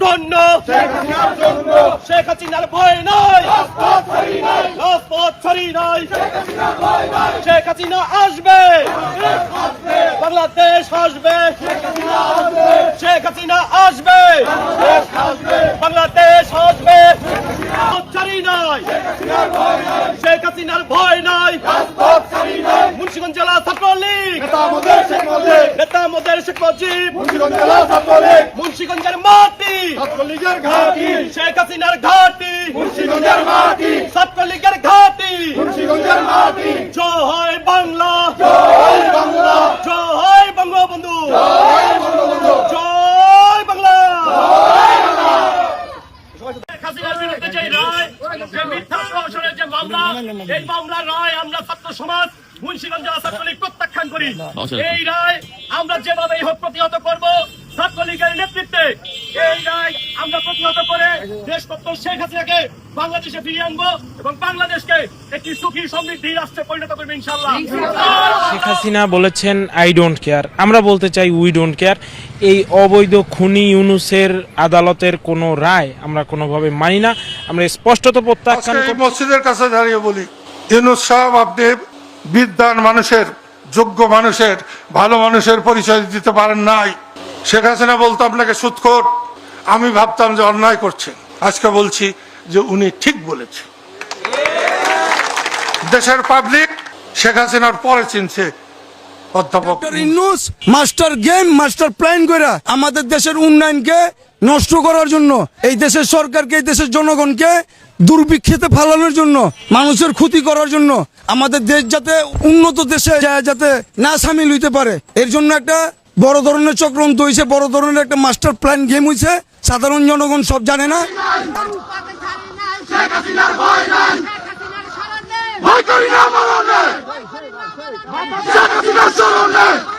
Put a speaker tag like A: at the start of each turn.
A: জন্য শেখ হাসিনার ভয় নাই, রাজপথ ছাড়ি নাই। শেখ হাসিনা আসবে, বাংলাদেশ আসবে। শেখ হাসিনা আসবে, বাংলাদেশ আসবে। ছাড়ি নাই, শেখ হাসিনার ভয় নাই। মুন্সিগঞ্জ জেলা ছাত্রলীগ নেতা মোদের শেখ মুজিব, মুন্সিগঞ্জের মাটি ছাত্রলীগের ঘাঁটি, শেখ হাসিনার ঘাঁটি মুন্সিগঞ্জের মাটি, ছাত্রলীগের ঘাঁটি মুন্সিগঞ্জের মাটি। জয় বাংলা, জয় বাংলা, জয় বঙ্গবন্ধু, জয় বঙ্গবন্ধু, জয় বাংলা। শেখ হাসিনার বিরুদ্ধে যে রায়, যে মিথ্যা প্রহসনের যে মামলা, এই মামলার রায় আমরা ছাত্র সমাজ মুন্সিগঞ্জ জেলা ছাত্রলীগ প্রত্যাখ্যান করি। এই রায় আমরা যেভাবেই হোক প্রতিহত করব ছাত্রলীগের নেতৃত্বে। এই রায় আমরা প্রতিহত করে দেশপত্র শেখ হাসিনাকে বাংলাদেশে ফিরিয়ে আনবো এবং বাংলাদেশকে একটি সুখী সমৃদ্ধি রাষ্ট্রে পরিণত করবো ইনশাআল্লাহ।
B: শেখ হাসিনা বলেছেন আই ডোন্ট কেয়ার, আমরা বলতে চাই উই ডোন্ট কেয়ার। এই অবৈধ খুনি ইউনূসের আদালতের কোনো রায় আমরা কোনোভাবে মানি না, আমরা স্পষ্টত প্রত্যাখ্যান করি।
C: মসজিদের কাছে দাঁড়িয়ে বলি, ইউনূস সাহেব আপনি বিদ্বান মানুষের, যোগ্য মানুষের, ভালো মানুষের পরিচয় দিতে পারেন নাই। শেখ হাসিনা বলতো আপনাকে সুদখোর, আমি ভাবতাম যে অন্যায় করছেন। আজকে বলছি যে উনি ঠিক বলেছে। দেশের পাবলিক শেখ হাসিনার পরে চিনছে অধ্যাপক
D: Yunus master game, master plan করে আমাদের দেশের উন্নয়নকে নষ্ট করার জন্য, এই দেশের সরকারকে, এই দেশের জনগণকে দুর্ভিক্ষেতে ফালানোর জন্য, মানুষের ক্ষতি করার জন্য, আমাদের দেশ যাতে উন্নত দেশে যাতে না সামিল হইতে পারে, এর জন্য একটা বড় ধরনের চক্রান্ত হয়েছে, বড় ধরনের একটা মাস্টার প্ল্যান গেম হয়েছে। সাধারণ জনগণ সব জানে না।
E: ভয় করি না,